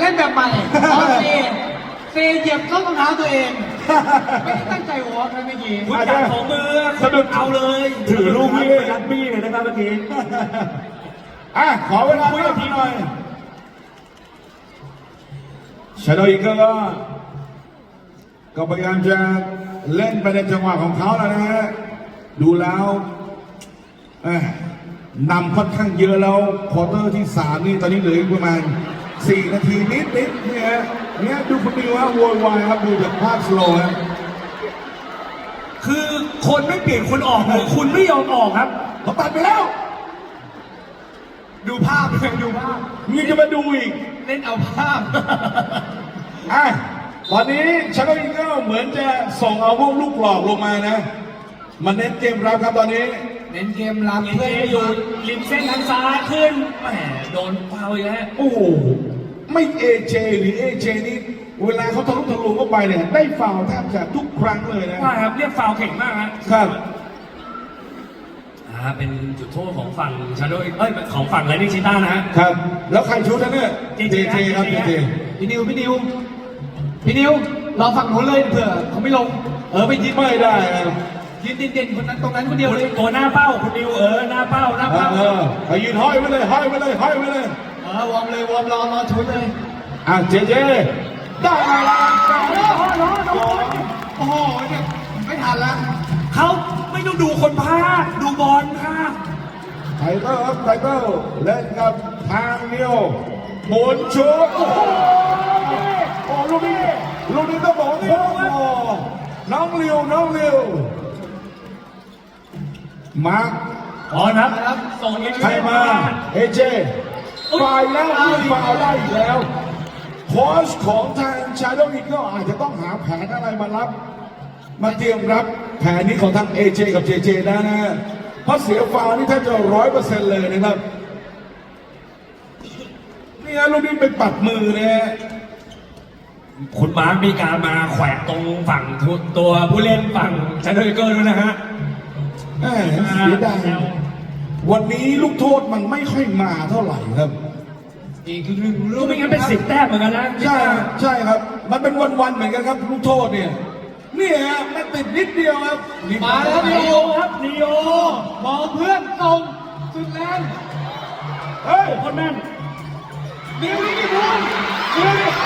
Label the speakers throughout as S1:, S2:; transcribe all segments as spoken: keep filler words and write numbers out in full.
S1: ล่นแบบใหม่ออเซเซเหยียบเข้ารองเท้าตัวเองไม่ได้ตั้งใจวอล์กนะเมื่อกี้
S2: คุณจับของมือสะดุดเอาเลย
S3: ถือลูกนี้รักบี้เลยนะครับเมื่อกี้อ่ะขอเวลาคุยกับพี่หน่อยชาโดอีกก็ก็พยายามจะเล่นไปในจังหวะของเขาแล้วนะฮะดูแล้วนำค่อนข้างเยอะแล้วควอเตอร์ที่สามนี่ตอนนี้เหลืออีกประมาณสี่นาทีนิดนิดเนี่ยเนี่ยดูคุณดิวว่าโวยวายครับดูจากภาพสโลว์ครับ
S2: คือคนไม่เปลี่ยนคนออกเลยคุณไม่ยอมออกครับ
S3: เขาตัดไปแล้ว
S1: ดูภาพเลยดูภาพ
S3: มีจะมาดูอีก
S1: เล่นเอาภาพ
S3: อ่ะตอนนี้ชาโดอีกก็เหมือนจะส่งเอาพวกลูกหลอกลงมานะมันเน้นเกมรับครับตอนนี้
S1: เน้นเกมรับ
S2: เอ
S1: เพื่อ
S2: เจ
S1: ให้
S2: อยู่ริมเส้นทางซ้ายขึ้นแหมโดนฟาวอีกแล้ว
S3: โอ้โหไม่เอเจหรือเอเจนี่เวลาเขาทะลุทะลวงเข้าไปเนี่ยได้ฟาวล์แทบจะทุกครั้งเลยนะ
S2: ว่าครับเรียกฟาวเก่งมากฮะ
S3: ครับ
S2: อ่าเป็นจุดโทษของฝั่งชาโดเอ้ยของฝั่งไรนิชิต้านะฮะ
S3: ครับ แล้วใครชุดนะเนี่ยเจเจครับเจเจ
S1: พี่นิวพี่นิวพี่นิวรอฝั่งนู้นเลยเผื่อเขาไม่ลงเออไปยืน
S3: ไม่ได้นะ
S1: ยืนเด่นๆคนนั้นตรงนั้นคนเดียวเลย
S2: ตัวหน้าเป้าคุณดิวเออหน้าเป้าหน้า
S3: เอ
S2: เป้า
S3: อเออไปยืนห้อยไว้เลยห้อยไว้เลยห้อยไว้เลย
S1: เออวอร์มเลยวอร์มรอรอชุดเลย
S3: อ่ะเจเจได้มาแล้ว
S1: โอ้โหโอ้โหโอ้โหเนี่ยไม่ทันละ
S2: เขาไม่ต้องดูคนพากย์ดูบอลค่ะ
S3: ไทเกอร์ครับไทเกอร์เล่นกับทางเดียวหมุนชุดโอ้โหโอ้ลูกนี้ลูกนี้ต้องบอกว่าโค้งโอ้น้องเลียวน้องเลียวมาร์ค
S2: บอลครับส่งเอ
S3: ใครมาเอเจฝ่ายแล้วยิงฟาวได้อีกแล้วโค้ชของทางชาโดว์อีก็อาจจะต้องหาแผนอะไรมารับ มาเตรียมรับแผนนี้ของทางเอเจกับเจเจนะนะเพราะเสียฟาวนี่แทบจะร้อยเปอร์เซ็นต์เลยนะครับนี่ฮะลูกนี้ไปปัดมือนะฮะ
S2: คุณมาร์คมีการมาแขวะตรงฝั่งตัวผู้เล่นฝั่งชาโดเกอร์ด้วยนะฮะ
S3: แหม่เสียดายวันนี้ลูกโทษมันไม่ค่อยมาเท่าไหร่ครับ
S1: อีกหนึ่งลู
S2: ลู
S1: ก
S2: กไม่งั้นเป็นสิบแต้มเหมือนกันนะ
S3: ใช่ใช่ครับ มันเป็นวันๆเหมือนกันครับลูกโทษเนี่ยนี่ฮะมันติดนิดเดียวครับนี่
S1: มาแล้ว
S2: นี
S1: นิ
S2: โอ
S1: ว
S2: ครับนีโอ
S1: มองเพื่อนตรงสุดแรง
S3: เฮ้ย
S2: คนแม่น
S1: นิวนี่นิวนิวนี่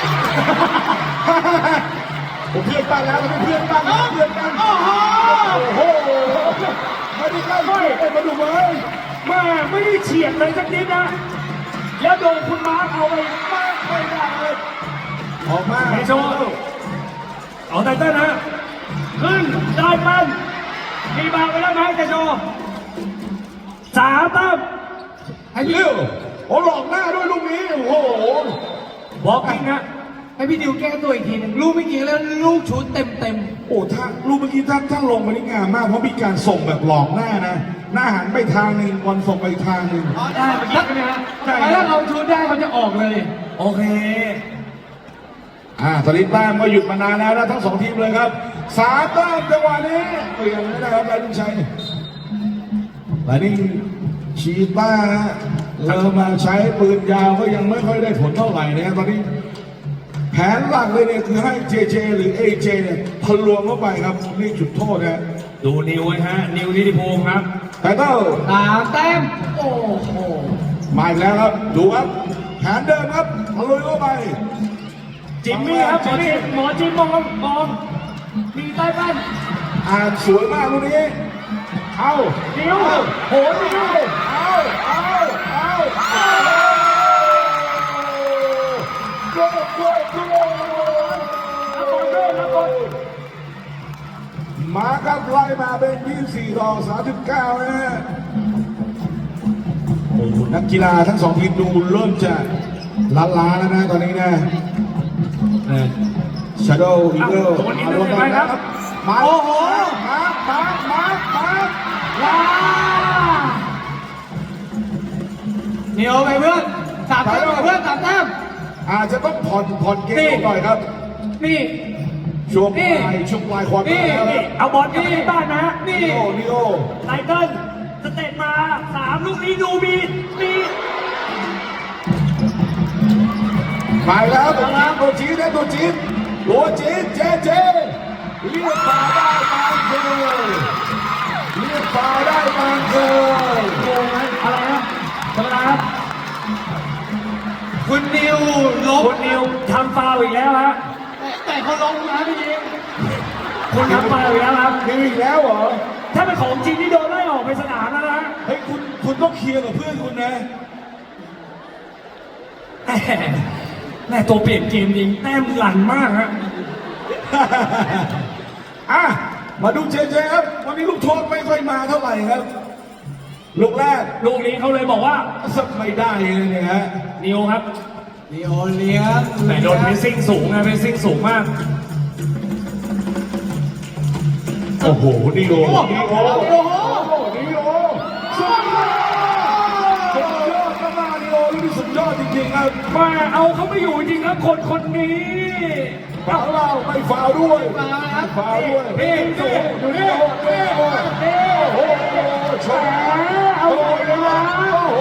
S3: ผมเพื่อนกันแล้วเป็นเพื่อนกันเพื่อนกัน
S1: โอ้โห
S3: โอ้โหไม่ได้ใกล้ไม่ได้มาดูเลย
S2: แม่ไม่ได้เฉียดเลยสักนิดนะ แล้วโดนคุณมาร์คเอาไปมากไม่ได้เลย
S3: ออกมา
S2: ไฮโซเอาไตเติ้ลนะขึ้นได้ปั้นมีบางไปแล้วไหมไฮโซสามตั้ม
S3: ให้เร็วโอ้หลอกหน้าด้วยลูกนี้โอ้โห
S2: บล็อกกิ้งฮะ
S1: ให้พี่นิวแก้ตัวอีกทีหนึงลูกเมื่อกี้แล้วลูกชุดเต็มเต็ม
S3: โอ้ถ้าลูกเมื่อกี้ถ้าถ้าลงมานี่งามมากเพราะมีการส่งแบบหลอกหน้านะหน้าหันไปทางหนึ่งบอลส่งไปทางหนึ่ง
S1: อ๋อได้เมื่อกี้ใช่ไหมฮะถ้าเราชุดได้เขาจะออกเลย
S2: โอเค
S3: อ่าตอนนี้แต้มก็หยุดมานานแล้วนะทั้งสองทีมเลยครับสามแต้มจังหวะนี้เปลี่ยนไม่ได้ครับลายลุงชัยลายนี้ชีต้าเรามาใช้ปืนยาวก็ยังไม่ค่อยได้ผลเท่าไหร่นะตอนนี้แผนหลักเลยเนี่ยคือให้เจเจหรือเอเจเนี่ยทะลวงเข้าไปครับนี่จุดโทษนะ
S2: ดูนิวไว้ฮะ นิวนิติพงศ์ครับ
S3: แต่ก็
S1: สามแต้มโอ้โห
S3: มาอีกแล้วครับดูครับแผนเดิมครับทะลุยเข้าไป
S2: จิมมี่ครับหมอจิมหมอจิมมองมองมีใต้บ้าน
S3: อ่านสวยมากลูกนี้เอา
S2: นิวโหนิว
S3: เอาเอาเอาเอาโกโกโก
S2: นักบอลด้วยนักบอล
S3: มาครับไล่มาเป็นยี่สิบสี่ต่อสามสิบเก้านะฮะโอ้โหนักกีฬาทั้งสองทีมดูเริ่มจะล้าๆแล้วนะตอนนี้นะชาโดว์อีเกิลมาลงกันนะครับมาโอ้โหมามามามาว้า
S1: นิวไปเพื่อนสามแต้มไปเพื่อนสามแต้ม
S3: อาจจะต้องผ่อนผ่อนเกมลงหน่อยครับ
S1: นี่
S3: ช่วงปลายช่วงปลายความ
S1: นี่
S3: แล้ว
S2: นี่เอาบอลกลับไปที่บ้านนะ
S1: นี่
S3: นิโอนิโอ
S2: ไตเติ้ลสเตตมาสามลูกนี้ดูมีมี
S3: ไปแล้วตัวจี๊ดตัวจี๊ดตัวจี๊ดตัวจี๊ดเจเจเรียกป่าได้บางเกยเรียกป่าได้บางเกย
S2: โกงไหมอะไรนะธรรมดาครับ
S1: คุณนิวลบ
S2: คุณนิวทำฟาวล์อีกแล้วฮะ
S1: แต่เขาลงนะพี่ยิง
S2: คุณทำฟาวล์อีกแล้วครับ
S3: มีอีกแล้วเหรอ
S2: ถ้าเป็นของจริงนี่โดนไล่ออกไปสนามแล้วนะ
S3: เฮ้ยคุณคุณต้องเคลียร์กับเพื่อนคุณนะ
S2: แหม่แม่ตัวเปลี่ยนเกมจริงแต้มหลั่นมากฮะ
S3: อ่ะมาดูเจเจครับวันนี้ลูกโทษไม่ค่อยมาเท่าไหร่ครับลูกแรก
S2: ลูกนี้เขาเลยบอกว่า
S3: สักไม่ได้เลยเนี่ยฮะ
S2: นิวครับ
S1: นิโอเลี้ยง
S2: แต่โดนเพรสซิ่งสูงนะเพรสซิ่งสูงมาก
S3: โอ้โหนี่โอ
S1: โอ้โห
S3: นี่โอ
S1: โอ้โห
S3: นี่โอสุดยอดสุดยอดมากๆนี่โอนี่สุดยอดจริงๆครับ
S2: มาเอาเขาไม่อยู่จริงครับคนคนนี้
S3: ฟาวเราไม่ฟาวด้วย
S1: มาแล้วครับ
S3: ฟาวด้วย
S2: นี่ดูดูนี่
S3: นี่โอนี่โอโอ้โหชา
S2: เอาเลยนะ
S3: โอ้โห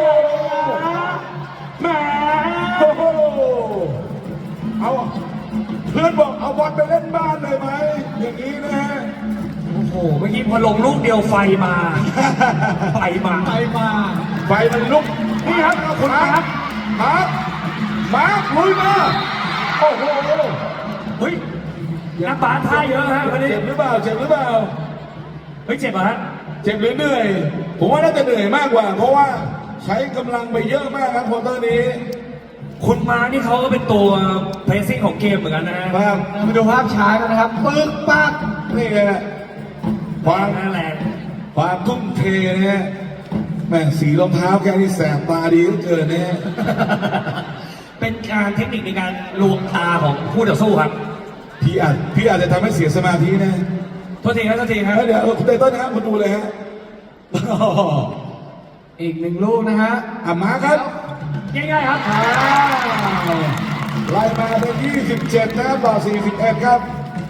S2: แหม
S3: โอ้โหเอาเพื่อนบอกเอาบอลไปเล่นบ้านเลยไหมอย่างนี้นะฮะ
S2: โอ้โหเมื่อกี้พอลงลูกเดียวไฟมา ไฟมา
S1: ไปมา
S3: ไฟมันลุก
S2: นี่ครับคุณมาครับ
S3: มาร์คมาร์คลุยมาโอ้โห
S2: เฮ้ยนักบาสท่าเยอะฮะวันนี้
S3: เจ็บหรือเปล่าเจ็บหรือเปล่า
S2: เฮ้ยเจ็บเหรอฮะ
S3: เจ็บหรือเหนื่อย ผมว่าน่าจะเหนื่อยมากกว่า เพราะว่าใช้กำลังไปเยอะมากครับควอเตอร์นี้
S2: คุณมานี่เขาก็เป็นตัวเพรสซิ่งของเกมเหมือนกันนะฮะ
S3: ครับ
S1: เรามาดูภาพช้ากันนะครับปึ๊กปัก
S3: นี่ไงนะความ
S2: หน้าแรง
S3: ความทุ่มเทนะฮะแม่งสีรองเท้าแกนี่แสบตาดีเหลือเกินนะฮะ
S2: เป็นการเทคนิคในการลวงตาของผู้ต่อสู้ครับ
S3: พี่อาจพี่อาจจะทำให้เสียสมาธินะ
S2: โทษทีครับโทษทีครับ
S3: เดี๋ยวคุณไตเติ้ลนะครับคุณดูเลยฮะ
S1: อีกหนึ่งลูกนะฮะ
S3: อ่ะมาครับ
S2: ง่ายๆครับ
S3: อ้าวไล่มาเป็นยี่สิบเจ็ดนะครับต่อสี่สิบเอ็ดครับ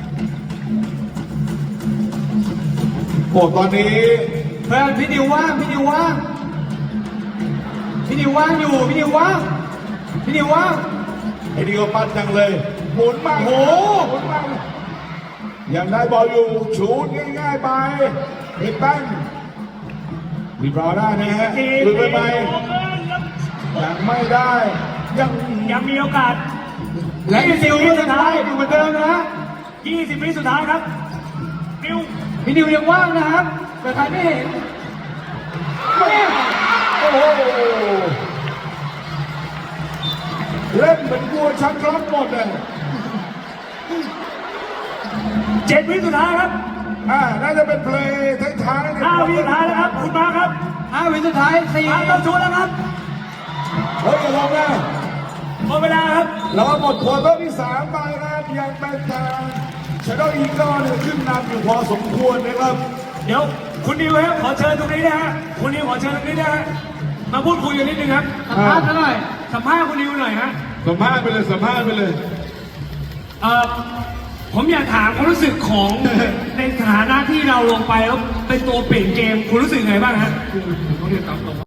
S3: โอ้ตอนนี้
S1: เพื่อนพี่นิวว่างพี่นิวว่างพี่นิวว่างอยู่พี่นิวว่างพี่นิวว่าง
S3: ไอ้นี่ก็ปั้นจังเลยหมุนมา
S1: โอ้โห
S3: หมุนมายังได้บอลอยู่ชูดง่ายๆไปเห็นตั้งรีบรอได้นะฮะหรือไปไหมยังไม่ได้ยัง
S2: ยังมีโอกาส
S1: และพี่นิวก็สุดท้ายอยู่เหมือนเดิมนะฮะ
S2: ยี่สิบวิสุดท้ายครับนิว
S1: พี่นิวยังว่างนะครับแต่ใครไม่เห็น
S3: โอ้โหเล่นเหมือนกลัวชักล็อกหมดเลย
S2: เจ็ดวิสุดท้ายครับ
S3: อ่าน่าจะเป็นเพลย์ท้ายๆเนี่ย
S2: ห้าวิสุดท้ายแล้วครับ คุณมาครับ
S1: ห้าวิสุดท้ายสี่
S2: มาต้องชูแล้วครับ
S3: เฮ้ยอย่าลงนะ
S2: หมดเวลาครับ
S3: เราหมดควอเตอร์ที่สามไปนะครับยังเป็นทางชาโดว์อีเกิลเนี่ยขึ้นนำอยู่พอสมควรนะครับ
S2: เดี๋ยวคุณนิวครับขอเชิญตรงนี้นะฮะคุณนิวขอเชิญตรงนี้นะฮะมาพูดคุยกันนิดนึงครับ
S1: สัมภาษณ์กันหน่อย
S2: สัมภาษณ์คุณนิวหน่อยฮะ
S3: สัมภาษณ์ไปเลยสัมภาษณ์ไปเลย
S2: เอ่อผมอยากถามความรู้สึกของ ในฐานะที่เราลงไปแล้วเป็นตัวเปลี่ยนเกม คุณรู้สึกไงบ้างฮะ